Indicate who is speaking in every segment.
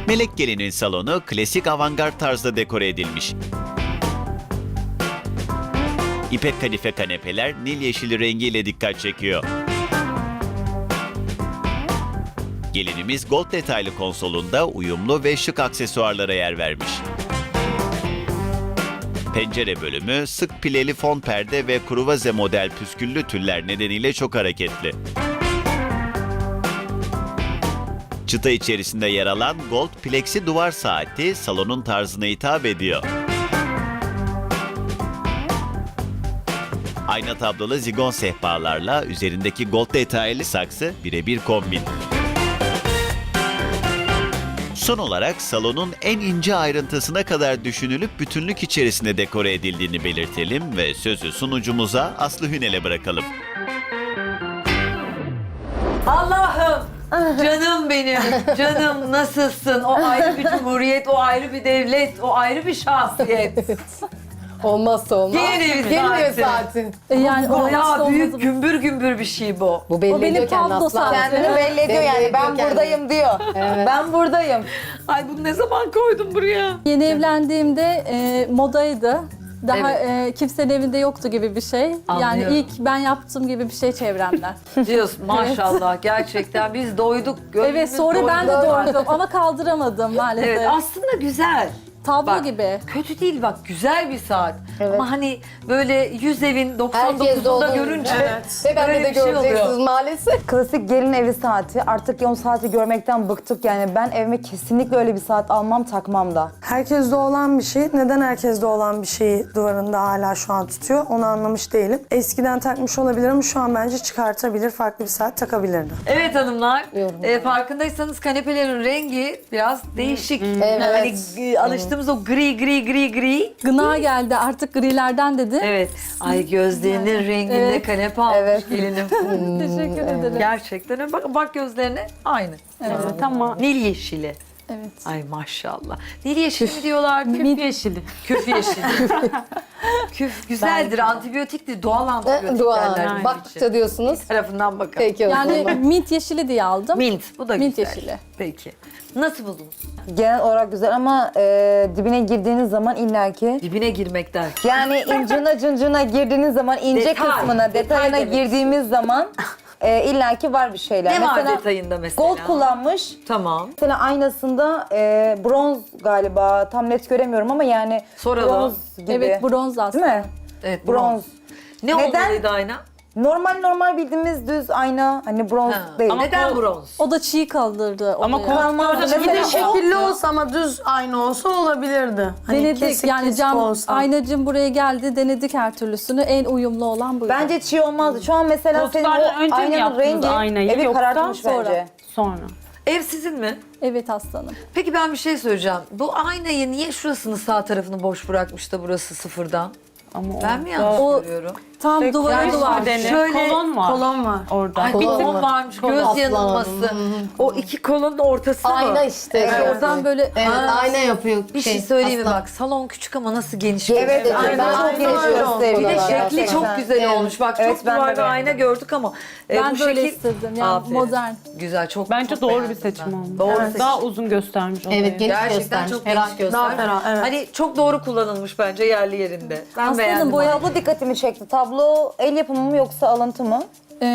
Speaker 1: Melek Gelin'in salonu klasik avantgard tarzda dekore edilmiş. İpek kadife kanepeler nil yeşili rengiyle dikkat çekiyor. Gelinimiz gold detaylı konsolunda uyumlu ve şık aksesuarlara yer vermiş. Pencere bölümü sık pileli fon perde ve kruvaze model püsküllü tüller nedeniyle çok hareketli. Çıta içerisinde yer alan gold plexi duvar saati salonun tarzına hitap ediyor. Ayna tablolu zigon sehpalarla üzerindeki gold detaylı saksı birebir kombin. Son olarak salonun en ince ayrıntısına kadar düşünülüp bütünlük içerisinde dekore edildiğini belirtelim ve sözü sunucumuza Aslı Hünel'e bırakalım.
Speaker 2: Allah'ım! Canım benim, canım nasılsın? O ayrı bir cumhuriyet, o ayrı bir devlet, o ayrı bir şahsiyet.
Speaker 3: Olmazsa olmaz.
Speaker 2: Gelin evi
Speaker 3: Gelin evi
Speaker 2: saati.
Speaker 3: saati.
Speaker 4: Yani
Speaker 2: Bayağı büyük, gümbür gümbür bir şey bu.
Speaker 3: Bu belli
Speaker 4: O benim
Speaker 3: ediyor kendini
Speaker 4: tablo
Speaker 3: aslan.
Speaker 4: saati.
Speaker 5: Kendini belli ediyor yani. Ben buradayım diyor. Ben buradayım.
Speaker 2: Ay bunu ne zaman koydun buraya?
Speaker 4: Yeni evlendiğimde modaydı. Daha
Speaker 2: Evet.
Speaker 4: kimsenin evinde yoktu gibi bir şey.
Speaker 2: Anlıyorum.
Speaker 4: Yani ilk ben yaptığım gibi bir şey çevremden.
Speaker 2: Diyorsun maşallah gerçekten biz doyduk.
Speaker 4: Evet, sonra ben de doydum ama kaldıramadım maalesef.
Speaker 2: Evet aslında güzel.
Speaker 4: Tablo
Speaker 2: Bak,
Speaker 4: gibi.
Speaker 2: Kötü değil bak güzel bir saat.
Speaker 5: Evet.
Speaker 2: Ama hani böyle 100 evin
Speaker 3: Herkes de
Speaker 2: 99'unda
Speaker 3: olduğunu
Speaker 2: görünce
Speaker 3: Ve ben
Speaker 2: böyle
Speaker 3: de
Speaker 2: bir şey
Speaker 3: göreceksiniz
Speaker 2: oluyor.
Speaker 3: maalesef.
Speaker 5: Klasik gelin evi saati. Artık o saati görmekten bıktık yani. Ben evime kesinlikle öyle bir saat almam, takmam da.
Speaker 6: Herkeste olan bir şey. Neden herkeste olan bir şeyi duvarında hala şu an tutuyor? Onu anlamış değilim. Eskiden takmış olabilir ama şu an bence çıkartabilir. Farklı bir saat takabilirdi.
Speaker 2: Evet hanımlar,
Speaker 3: Yorum.
Speaker 2: farkındaysanız kanepelerin rengi biraz değişik.
Speaker 3: Evet.
Speaker 2: Hani alıştığımız o gri.
Speaker 4: Gına geldi artık grilerden dedi.
Speaker 2: Evet. Ay gözlerinin renginde
Speaker 4: Evet.
Speaker 2: kanepe almış
Speaker 5: Evet.
Speaker 2: gelinim.
Speaker 4: Teşekkür ederim.
Speaker 2: Gerçekten öyle. Bak gözlerine aynı.
Speaker 4: Evet.
Speaker 2: Tamam. Nil yeşili.
Speaker 4: Evet.
Speaker 2: Ay maşallah. Nil yeşili mi diyorlar?
Speaker 4: Küf
Speaker 2: yeşili. Küf yeşili. Küf güzeldir, antibiyotiktir, doğal antibiyotik
Speaker 3: Dua.
Speaker 2: derler. bunun
Speaker 3: Baktıkça
Speaker 2: için.
Speaker 3: diyorsunuz.
Speaker 2: Tarafından bakalım.
Speaker 3: Peki o
Speaker 4: Yani
Speaker 3: zaman.
Speaker 4: mint yeşili diye aldım.
Speaker 2: Mint, bu da
Speaker 4: Mint
Speaker 2: güzel.
Speaker 4: yeşili.
Speaker 2: Peki. Nasıl buldunuz?
Speaker 5: Genel olarak güzel ama dibine girdiğiniz zaman illaki
Speaker 2: Dibine girmek der.
Speaker 5: yani incuna cıncuna girdiğiniz zaman ince
Speaker 2: Detay,
Speaker 5: kısmına,
Speaker 2: detay
Speaker 5: detayına
Speaker 2: demek
Speaker 5: girdiğimiz zaman illaki var bir şeyler.
Speaker 2: Ne var detayında mesela?
Speaker 5: Gold kullanmış.
Speaker 2: Tamam.
Speaker 5: Mesela aynasında bronz galiba. Tam net göremiyorum ama yani
Speaker 2: Soralım.
Speaker 5: bronz gibi.
Speaker 4: Evet, bronz aslında.
Speaker 5: Değil mi?
Speaker 2: Evet,
Speaker 5: Bronz.
Speaker 2: Ne
Speaker 5: Neden?
Speaker 2: olmalıydı ayna?
Speaker 5: Normal bildiğimiz düz ayna. Hani bronz
Speaker 2: Ha.
Speaker 5: değil.
Speaker 2: Ama neden bronz?
Speaker 4: O da çiğ kaldırdı.
Speaker 7: Ama
Speaker 4: odaya.
Speaker 5: Kalmaz.
Speaker 6: Bir
Speaker 5: Mesela
Speaker 6: de şekilli olsa ama düz aynı olsa olabilirdi. Hani
Speaker 4: Denedik
Speaker 6: kesik
Speaker 4: yani
Speaker 6: kesik
Speaker 4: cam
Speaker 6: olsa.
Speaker 4: aynacım buraya geldi denedik her türlüsünü en uyumlu olan buydu.
Speaker 5: bence çiğ olmazdı. Şu an mesela senin
Speaker 7: Koltuklardan
Speaker 5: o
Speaker 7: önce mi
Speaker 5: aynanın
Speaker 7: yaptınız
Speaker 5: rengi
Speaker 7: aynayı,
Speaker 5: evi
Speaker 7: yoksa
Speaker 5: karartmış
Speaker 4: sonra?
Speaker 5: bence.
Speaker 7: Sonra.
Speaker 2: Ev sizin mi?
Speaker 4: Evet aslanım.
Speaker 2: Peki ben bir şey söyleyeceğim. Bu aynayı niye şurasını sağ tarafını boş bırakmış da burası sıfırdan?
Speaker 7: Ama
Speaker 2: Ben mi yanlış
Speaker 4: O-
Speaker 2: görüyorum?
Speaker 4: Tam duvara duvar.
Speaker 7: Nedeni
Speaker 2: Şöyle
Speaker 7: kolon var.
Speaker 6: Kolon var.
Speaker 7: Orada.
Speaker 2: Ay bir
Speaker 3: Kolon
Speaker 2: kolon
Speaker 3: var.
Speaker 2: varmış,
Speaker 3: Kolon
Speaker 2: göz
Speaker 3: aslan.
Speaker 2: yanılması. O iki kolonun ortası mı?
Speaker 3: Ayna işte.
Speaker 4: Evet, oradan böyle
Speaker 3: Evet,
Speaker 2: Aa,
Speaker 3: ayna yapıyor.
Speaker 2: Bir şey söyleyeyim mi bak, salon küçük ama nasıl geniş.
Speaker 5: Evet,
Speaker 2: gösteriyor.
Speaker 5: ben çok geniş
Speaker 2: Bir de
Speaker 5: gösteriyorlar.
Speaker 2: şekli çok
Speaker 5: Gerçekten.
Speaker 2: güzel
Speaker 5: Evet.
Speaker 2: olmuş. Bak
Speaker 5: Evet,
Speaker 2: çok
Speaker 5: ben de
Speaker 2: duvarda
Speaker 5: beğendim.
Speaker 2: ayna gördük ama
Speaker 4: ben
Speaker 2: bu
Speaker 4: böyle
Speaker 2: şekil...
Speaker 4: istedim yani
Speaker 2: Aferin.
Speaker 4: modern.
Speaker 2: Güzel, çok
Speaker 7: Bence
Speaker 2: çok
Speaker 7: doğru bir
Speaker 2: beğendim
Speaker 7: seçim
Speaker 2: ben.
Speaker 7: olmuş.
Speaker 2: Doğru
Speaker 7: Evet.
Speaker 2: seçim.
Speaker 7: Daha uzun göstermiş odayı.
Speaker 3: Evet, geniş
Speaker 2: Gerçekten
Speaker 3: göstermiş.
Speaker 2: çok
Speaker 3: ferah
Speaker 2: geniş
Speaker 3: göstermiş.
Speaker 6: Daha ferah, evet.
Speaker 2: Hani çok doğru kullanılmış bence yerli yerinde. Ben
Speaker 4: Aslanım,
Speaker 2: beğendim.
Speaker 4: boya-
Speaker 5: Tablo dikkatimi çekti. Tablo el yapımı mı yoksa alıntı mı?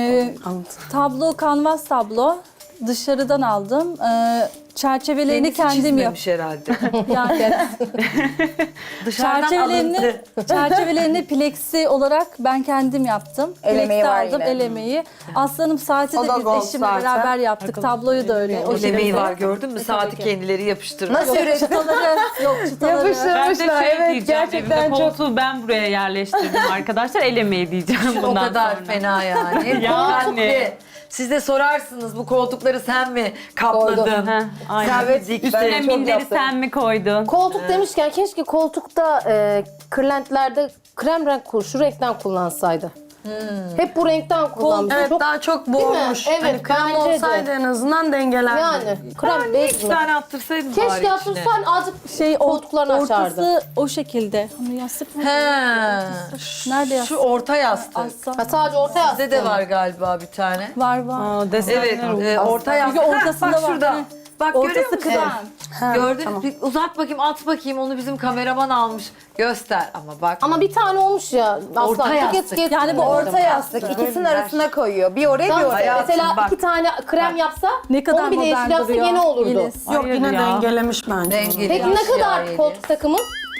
Speaker 4: Tablo kanvas tablo. Dışarıdan aldım. Çerçevelerini
Speaker 2: Kendisi
Speaker 4: kendim
Speaker 2: çizmemiş herhalde.
Speaker 4: Yani
Speaker 2: Dışarıdan
Speaker 4: çerçevelerini,
Speaker 2: alıntı.
Speaker 4: çerçevelerini plexi olarak ben kendim yaptım.
Speaker 5: El emeği
Speaker 4: Plexi
Speaker 5: var
Speaker 4: aldım,
Speaker 5: yine.
Speaker 4: el emeği. Aslanım saati
Speaker 6: O
Speaker 4: de
Speaker 6: da
Speaker 4: biz
Speaker 6: gold
Speaker 4: eşimle
Speaker 6: zaten.
Speaker 4: beraber yaptık. Tabloyu da öyle. O
Speaker 2: El emeği
Speaker 4: şekilde.
Speaker 2: var gördün mü? Saati
Speaker 4: ki.
Speaker 2: kendileri yapıştırmış.
Speaker 5: Nasıl ürettin?
Speaker 4: Çıtaları yok çıtaları.
Speaker 7: Ben de
Speaker 5: Yapıştırmışlar.
Speaker 7: şey
Speaker 5: Evet,
Speaker 7: diyeceğim,
Speaker 5: gerçekten
Speaker 7: evimde
Speaker 5: çok.
Speaker 7: koltuğu ben buraya yerleştirdim arkadaşlar. El emeği diyeceğim
Speaker 2: O
Speaker 7: bundan
Speaker 2: kadar
Speaker 7: sonra.
Speaker 2: fena yani.
Speaker 7: Yani.
Speaker 2: Dikkatli. Siz de sorarsınız bu koltukları sen mi kapladın?
Speaker 7: Heh, aynen.
Speaker 5: Evet,
Speaker 2: Dik-
Speaker 5: ben
Speaker 7: Üstüne
Speaker 5: çok
Speaker 7: minderi
Speaker 5: yaptım.
Speaker 7: sen mi koydun?
Speaker 3: Koltuk demişken keşke koltukta kırlentlerde krem renk şu renkten kullansaydı. Hep bu renkten kullanmış.
Speaker 6: Evet,
Speaker 3: Çok,
Speaker 6: daha çok
Speaker 3: Değil mi?
Speaker 6: boğulmuş.
Speaker 3: Evet,
Speaker 6: hani krem
Speaker 3: bence de.
Speaker 6: olsaydı en azından dengelerdi.
Speaker 3: yani krem bej
Speaker 2: İki
Speaker 3: mi?
Speaker 2: tane attırsaydın bari
Speaker 3: Keşke
Speaker 2: içine.
Speaker 3: yaptırsan azıcık
Speaker 4: Şey
Speaker 3: koltuklarını açardı.
Speaker 4: ortası o şekilde. Onu yastık mı?
Speaker 2: He.
Speaker 4: Nerede
Speaker 2: Şu
Speaker 4: yastık?
Speaker 2: orta yastık.
Speaker 4: Aslan.
Speaker 3: Ha, sadece orta yastık.
Speaker 2: Sizde de var galiba bir tane.
Speaker 4: Var.
Speaker 7: Aa, desenler
Speaker 2: Evet,
Speaker 7: oldu.
Speaker 2: orta yastık.
Speaker 4: Çünkü
Speaker 2: Heh,
Speaker 4: ortasında
Speaker 2: bak
Speaker 4: var.
Speaker 2: şurada.
Speaker 4: Heh.
Speaker 2: Bak görüyor
Speaker 4: Ortası
Speaker 2: musun?
Speaker 4: krem.
Speaker 2: Gördün mü? Bir uzat bakayım, at bakayım. Onu bizim kameraman almış. Göster ama bak.
Speaker 3: Ama bir tane olmuş ya.
Speaker 2: Orta
Speaker 3: Aslan.
Speaker 2: yastık.
Speaker 4: Yani bu orta
Speaker 5: Yastık ikisinin arasına koyuyor. Bir oraya bir
Speaker 3: Tamam,
Speaker 5: oraya.
Speaker 2: Hayatım,
Speaker 3: mesela
Speaker 2: bak.
Speaker 3: 2 tane krem yapsa,
Speaker 4: Ne kadar
Speaker 3: onu bir de
Speaker 4: modern
Speaker 3: yeşil yapsa
Speaker 4: duruyor.
Speaker 3: gene olurdu.
Speaker 4: Yeliz.
Speaker 6: Yok
Speaker 7: Hayır
Speaker 6: yine
Speaker 7: ya.
Speaker 6: dengelemiş bence.
Speaker 2: Dengeli.
Speaker 3: Peki ne kadar
Speaker 2: Yeliz.
Speaker 3: koltuk takımı?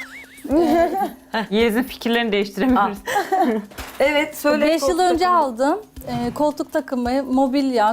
Speaker 7: Yeliz'in fikirlerini değiştiremiyoruz.
Speaker 2: Evet söyle.
Speaker 4: 5 yıl
Speaker 2: koltuk
Speaker 4: önce
Speaker 2: takımı.
Speaker 4: aldım. Koltuk takımı, mobilya,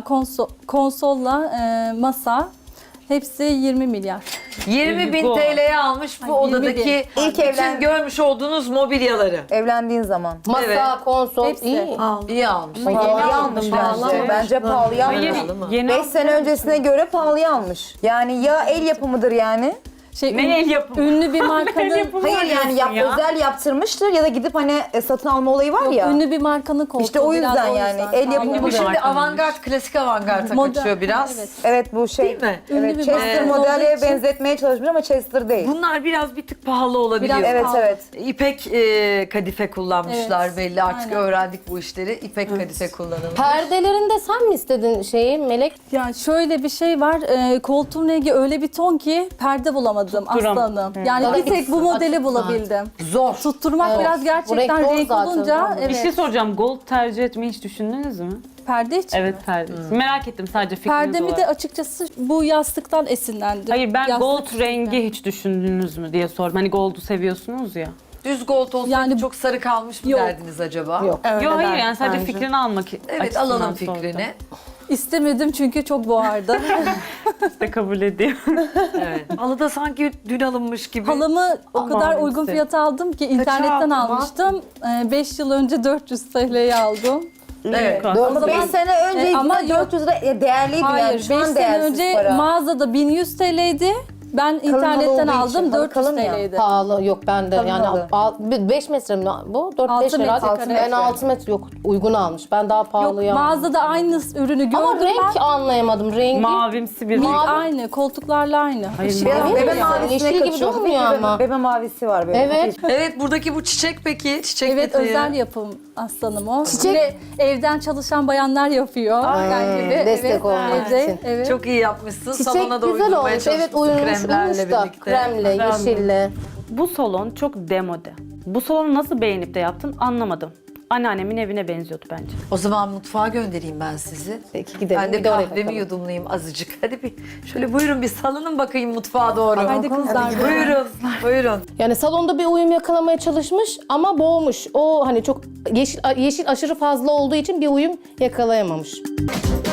Speaker 4: konsolla masa. Hepsi 20 milyar.
Speaker 2: 20.000
Speaker 7: Go.
Speaker 2: TL'ye almış bu
Speaker 4: Ay, 20.000.
Speaker 2: odadaki
Speaker 5: İlk
Speaker 2: bütün görmüş olduğunuz mobilyaları.
Speaker 5: Evlendiğin zaman.
Speaker 3: Masa,
Speaker 2: Evet.
Speaker 3: konsol,
Speaker 4: Hepsi.
Speaker 3: iyi.
Speaker 2: İyi almış.
Speaker 5: Pahalıya almış bence. Bence pahalıya
Speaker 7: Hayır,
Speaker 5: almış.
Speaker 2: Pahalı mı?
Speaker 7: yeni
Speaker 5: 5 sene öncesine göre pahalıya almış. Yani ya el yapımıdır yani.
Speaker 7: Ne el yapımı?
Speaker 4: Ünlü bir markanın
Speaker 5: Hayır yani özel yaptırmıştır ya da gidip hani satın alma olayı var ya.
Speaker 4: ünlü bir markanın koltuğu.
Speaker 5: İşte o
Speaker 4: biraz
Speaker 5: yüzden yani. El yapımı
Speaker 2: Bu
Speaker 5: bu.
Speaker 2: şimdi
Speaker 7: markanın.
Speaker 2: avantgard, klasik avantgarda
Speaker 4: Modern.
Speaker 2: kaçıyor biraz.
Speaker 4: Evet.
Speaker 5: Evet bu şey.
Speaker 2: Değil mi?
Speaker 4: Ünlü
Speaker 5: Evet,
Speaker 4: bir
Speaker 5: Chester
Speaker 4: marka olduğu
Speaker 5: modele
Speaker 4: için-
Speaker 5: benzetmeye çalışmış ama Chester değil.
Speaker 2: Bunlar biraz bir tık pahalı olabiliyor.
Speaker 4: Biraz
Speaker 5: Evet
Speaker 4: pahalı.
Speaker 5: evet.
Speaker 2: İpek kadife kullanmışlar
Speaker 4: Evet,
Speaker 2: belli. Artık
Speaker 4: aynen.
Speaker 2: öğrendik bu işleri. İpek kadife kullanılmış.
Speaker 3: Perdelerinde sen mi istedin şeyi Melek?
Speaker 4: Ya şöyle bir şey var. Koltuğun rengi öyle bir ton ki perde bulamadım
Speaker 7: Tutturam.
Speaker 4: aslanım. Yani
Speaker 3: Bana
Speaker 4: bir tek bu modeli
Speaker 3: açık
Speaker 4: bulabildim.
Speaker 2: Zor.
Speaker 4: Tutturmak
Speaker 3: Evet.
Speaker 4: biraz
Speaker 3: Bu
Speaker 4: gerçekten
Speaker 3: renk zor
Speaker 4: renk
Speaker 3: zaten.
Speaker 4: olunca
Speaker 7: Bir şey
Speaker 4: evet.
Speaker 7: soracağım. Gold tercih etmeyi hiç düşündünüz mü?
Speaker 4: Perde için.
Speaker 7: Evet perde. Merak ettim sadece fikriniz
Speaker 4: Perdemi
Speaker 7: olarak.
Speaker 4: de açıkçası bu yastıktan esinlendim.
Speaker 7: Hayır ben
Speaker 4: Yastık
Speaker 7: gold
Speaker 4: üstünden.
Speaker 7: rengi hiç düşündünüz mü diye sordum. Hani gold'u seviyorsunuz ya.
Speaker 2: Düz gold olsaydı
Speaker 4: Yani-
Speaker 2: çok sarı kalmış mı
Speaker 4: Yok.
Speaker 2: derdiniz acaba?
Speaker 3: Yok.
Speaker 7: Yok hayır yani sadece
Speaker 6: bence.
Speaker 7: fikrini almak
Speaker 2: Evet
Speaker 7: açısından
Speaker 2: alalım
Speaker 7: sordum.
Speaker 2: fikrini.
Speaker 4: İstemedim çünkü çok boğardı.
Speaker 7: İşte kabul ediyor.
Speaker 2: Evet. Halı da sanki dün alınmış gibi.
Speaker 4: Halımı o
Speaker 7: Aman
Speaker 4: kadar uygun
Speaker 7: işte.
Speaker 4: fiyata aldım ki internetten
Speaker 2: aldın,
Speaker 4: almıştım. 5 yıl önce 400 TL'ye aldım.
Speaker 2: Evet.
Speaker 5: Ama 5 sene önce
Speaker 4: ama
Speaker 5: ama 400 lira değerliydi yani.
Speaker 4: Hayır, 5
Speaker 5: Şu an
Speaker 4: sene
Speaker 5: değersiz
Speaker 4: önce
Speaker 5: para.
Speaker 4: mağazada 1100 TL'ydi. Ben
Speaker 5: halı
Speaker 4: internetten
Speaker 5: olduğu için,
Speaker 4: aldım
Speaker 5: halı
Speaker 4: 400
Speaker 5: kalın ya.
Speaker 4: TL'ydi.
Speaker 3: Pahalı yok bende
Speaker 5: Tabii,
Speaker 3: yani
Speaker 5: tabii.
Speaker 3: 5 metre mi bu? 4-5
Speaker 4: Altı metre
Speaker 3: herhalde.
Speaker 4: kare.
Speaker 3: Ben 6 metre yok uygun almış. Ben daha
Speaker 4: Yok
Speaker 3: pahalıya aldım.
Speaker 4: mağazada aynı ürünü gördüm
Speaker 3: Ama renk
Speaker 4: ben.
Speaker 3: anlayamadım rengi.
Speaker 7: Mavimsi bir
Speaker 3: Mavi.
Speaker 4: Aynı, koltuklarla aynı.
Speaker 7: Hayır,
Speaker 4: Işık-
Speaker 5: Biraz
Speaker 3: Mavi
Speaker 5: bebe
Speaker 3: mi?
Speaker 5: mavisine
Speaker 3: Yeşil gibi
Speaker 5: kaçıyor.
Speaker 3: durmuyor
Speaker 5: Bebe-
Speaker 3: ama.
Speaker 5: Bebe mavisi var böyle.
Speaker 3: Evet.
Speaker 2: Evet buradaki bu çiçek peki? Çiçek
Speaker 4: Evet
Speaker 2: detayı.
Speaker 4: özel yapım aslanım o.
Speaker 3: Çiçek-
Speaker 4: Ve evden çalışan bayanlar yapıyor. Yani
Speaker 3: destek olmak
Speaker 4: evde,
Speaker 3: için.
Speaker 4: Evet.
Speaker 2: Çok iyi yapmışsın.
Speaker 3: Çiçek
Speaker 2: Salona da
Speaker 3: güzel
Speaker 2: uydurmaya
Speaker 3: olmuş. Evet
Speaker 2: çalışmışsın
Speaker 3: uyumuş
Speaker 2: kremlerle
Speaker 3: da.
Speaker 2: birlikte.
Speaker 3: Kremle, yeşille.
Speaker 7: Bu salon çok demode. Bu salonu nasıl beğenip de yaptın anlamadım. Anneannemin evine benziyordu bence.
Speaker 2: O zaman mutfağa göndereyim ben sizi.
Speaker 3: Peki gidelim.
Speaker 2: Ben de
Speaker 3: bir de oraya
Speaker 2: kahvemi
Speaker 3: bakalım.
Speaker 2: yudumlayayım azıcık. Hadi bir şöyle buyurun bir salının bakayım mutfağa doğru.
Speaker 4: Haydi kızlar.
Speaker 2: Buyurun, buyurun.
Speaker 3: Yani salonda bir uyum yakalamaya çalışmış ama boğmuş. O hani çok yeşil aşırı fazla olduğu için bir uyum yakalayamamış.